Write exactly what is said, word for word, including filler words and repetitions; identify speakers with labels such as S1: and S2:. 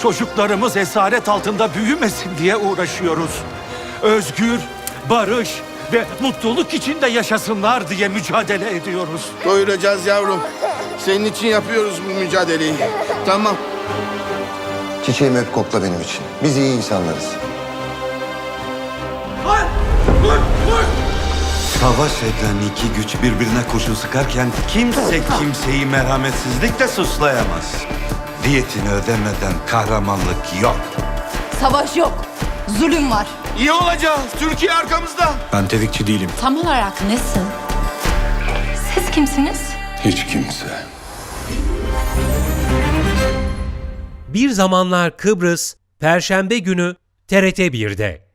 S1: Çocuklarımız esaret altında büyümesin diye uğraşıyoruz. Özgür, barış ve mutluluk içinde yaşasınlar diye mücadele ediyoruz.
S2: Doyuracağız yavrum. Senin için yapıyoruz bu mücadeleyi. Tamam.
S3: Çiçeğimi öp kokla benim için. Biz iyi insanlarız.
S4: Savaş eden iki güç birbirine kurşun sıkarken kimse kimseyi merhametsizlikle suçlayamaz. Diyetini ödemeden kahramanlık yok.
S5: Savaş yok. Zulüm var.
S2: İyi olacağız. Türkiye arkamızda.
S6: Ben tetikçi değilim.
S5: Tam olarak nesin? Siz kimsiniz?
S6: Hiç kimse.
S7: Bir Zamanlar Kıbrıs, Perşembe günü T R T bir'de.